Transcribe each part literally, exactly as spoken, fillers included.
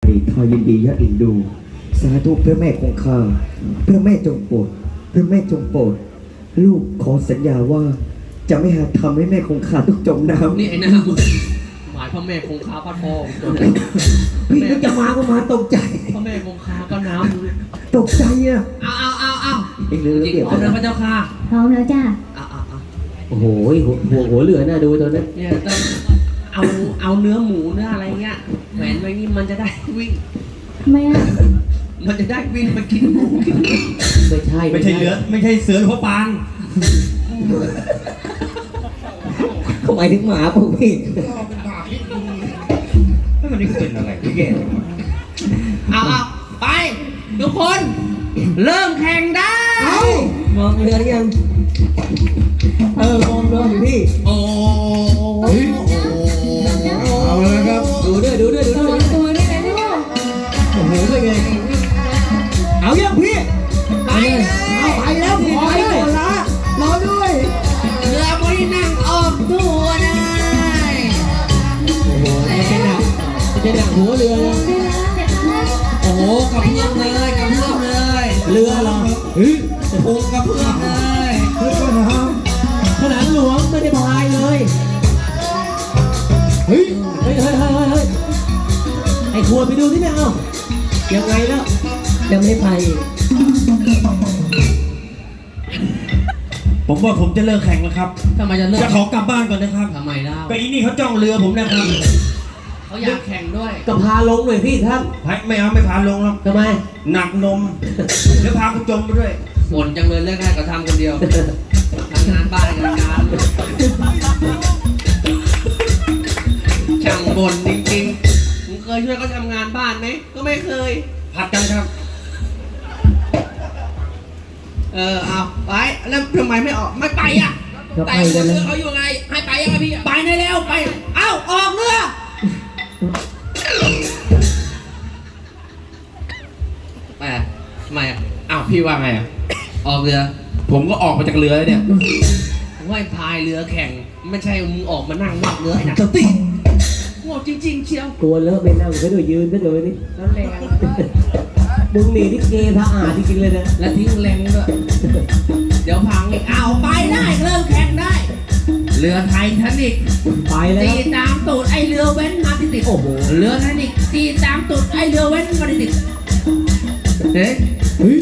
ดีข้ายินดียะอินดูสาธุพระแม่คงคาพระแม่จงโปรดพระแม่จงโปรดลูกขอสัญญาว่าจะไม่หาทำให้แม่คงคาต้องจมน้ำนี่ไอ้หน้ามึงหมายพ่อแม่คงคาพัดพอพี่นึกจะมาก็มาตกใจพ่อแม่คงคาก็น้ำตกใจอ่ะเอาเอาเอาเอาเองเรือจริงเดี๋ยวพร้อมแล้วพระเจ้าค่ะพร้อมแล้วจ้าเอาเอาเอาโอ้โหหัวหัวหัวเหลือน่าดูตัวนั้นเนี่ยต้องเอาเอาเนื้อหมูเนื้ออะไรเงี้ยแหวนไว้นี่มันจะได้วิ่งทำไมอ่ะมันจะได้วิ่งไปกินหมูกินเนื้อไม่ใช่ไม่ใช่เลือไม่ใช่เสือหรือว่าปานเขาหมายถึงหมาป่ะพี่แล้วมันนี่เป็นอะไรพี่แกเอาเอาไปทุกคน เริ่มแข่งได้มองเรือหรือยังเออมองเรืออยู่พี่โอ้เอาเลยครับดูด้วยดูด้วยดูระด้ววัยงตัวด้วยนะลูกโอ้โหเป็นไงเอายังพี่ไปเลยเอาไปแล้วขอให้ก่อนละรอด้วยเรือไม่นั่งออกตัวได้โอ้โหมันจะหนักมันจะหนักหัวเรือเลยด้วยนะเดี๋ยวนะโอ้โหกระเพื่อมเลยกระเพื่อมเลยเรือเหรอเฮ้ยโอ้กระเพื่อมเลยเฮ้ยก่อนนะขนาดหลวงไม่ได้พายเลยเฮ้ยเฮ้ยเฮ้ยเฮ้ยเฮ้ยเฮ้ยไอ้ขวดไปดูที่เนี่ยเอ้ายังไงแล้วยังไม่ไปอีกผมว่าผมจะเลิกแข่งแล้วครับทำไมจะเลิกจะขอกลับบ้านก่อนนะครับทำไมเล่าก็อีนี่เขาจ้องเรือผมนะครับเขาอยากแข่งด้วยก็พาลงหน่อยพี่ครับไม่เอาไม่พาลงหรอกทำไมหนักนมเดี๋ยวพาคุณจมไปด้วยบ่นจังเลยเลิกได้ก็ทำคนเดียวทำงานบ้านงานการช่างบ่นจริงๆมึงเคยช่วยเขาทำงานบ้านไหมก็ไม่เคยผัดกันครับเออเอาไปแล้วทำไมไม่ออกไม่ไปอ่ะก็แต่ไปกันเรืนะอเขาอยู่ไงให้ไปยังไงพี่ไปได้แล้วไปเอ้าออกเรือไปทำไมอ่ะอ้าวพี่ว่าไงอ่ะออกเรือผมก็ออกมาจากเรือแล้วเนี่ยว่าพายเรือแข่งไม่ใช่มึงออกมานั่งนอกเรือไอ้หนักสติโง่จริง ๆ เชียวกลัวเลอะไม่นั่งก็ด้วยยืนก็ด้วยนี่แล้วแรงมึงหนีที่เกย์สะอาดจริงๆเลยนะและทิ้งแรงด้วยเดี๋ยวพังอีกอ้าวไปได้เริ่มแข่งได้ เรือไททานิกไปแล้วตีตามตูดไอเรือเว้นมาติดติดโอ้โหเรือไททานิกตีตามตูดไอเรือเว้นมาติดติดเฮ้ยเฮ้ย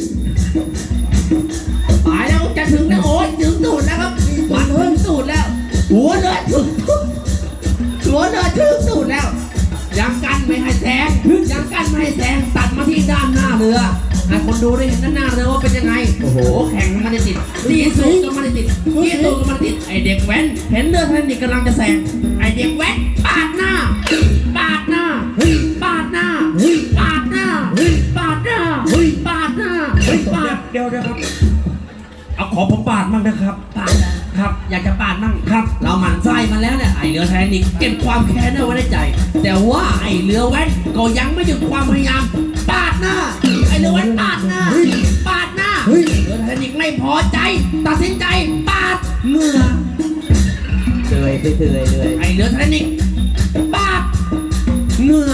ตายแล้วจะถึงแล้วโอ้ยถึงตูดแล้วครับมันถึงตูดแล้วหัวเรือถึงตูดหัวเรือถึงตูดแล้วยังกันไม่ให้แซงยังกันไม่ให้แซงตัดมาที่ด้านหน้าเรือให้คนดูได้เห็นด้านหน้าเรือว่าเป็นยังไงโอ้โหแข่งมันไม่ติดตีสูงก็ไม่ติดตีสูงก็ไม่ติดไอเด็กแว้นเห็นเรือไททานิกกำลังจะแซงไอเด็กแว้นปาดหน้าปาดหน้าปาดหน้าปาดหน้าปาดหน้าปาดหน้าปาดเดี๋ยวเดี๋ยวครับ เอาขอผมปาดมั่งนะครับปาดครับอยากจะปาดมั่งครับ เราหมั่นไส้มันแล้วเนี่ยไอเรือไททานิกเก็บความแค้นเอาไว้ในใจ แต่ว่าไอเรือแว้นก็ยังไม่หยุดความพยายามปาดหน้าไอเรือแว้นปาดหน้าปาดหน้าเรือไททานิกไม่พอใจ ตัดสินใจปาดเหงื่อเตยไปเตยเลยไอเรือไททานิกปาดเหงื่อ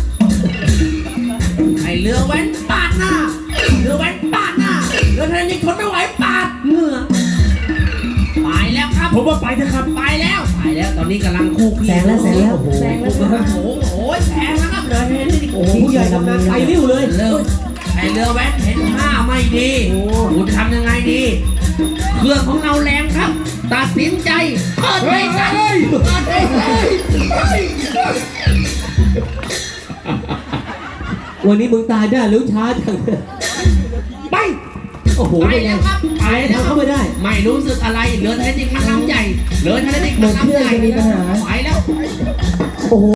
ไอเรือแว้นปาดหน้าเรือแว้นปาดหน้าเรือไททานิกทนไม่ไหวปาดเหงื่อไปแล้วครับผมว่าไปเถอะครับไปแล้วไปแล้วตอนนี้กำลังคู่ขี้แสงแล้วแสงแล้วโอ้โหแซงแล้วโอ้โหโอ้ยแสงแล้วครับเรือไททานิกโอ้โหผู้ใหญ่ทำงานไกลริ้วเลยเริ่มไอเรือแว้นเห็นท่าไม่ดีคุณทำยังไงดี เครื่องของเราแรงครับ ตัดสินใจเปิดไปใส่เปิดไปใส่วันนี้มึงตายได้หรือช้าจังไปโอ้โหไปเป็นไงแล้วครับไปแล้วทำเข้าไม่ได้ไม่รู้สึกอะไรเรือไททานิกมันลำใหญ่เรือไททานิกมันลำใหญ่เหมือนเครื่องจะมีปัญหาไปแล้วโอ้โห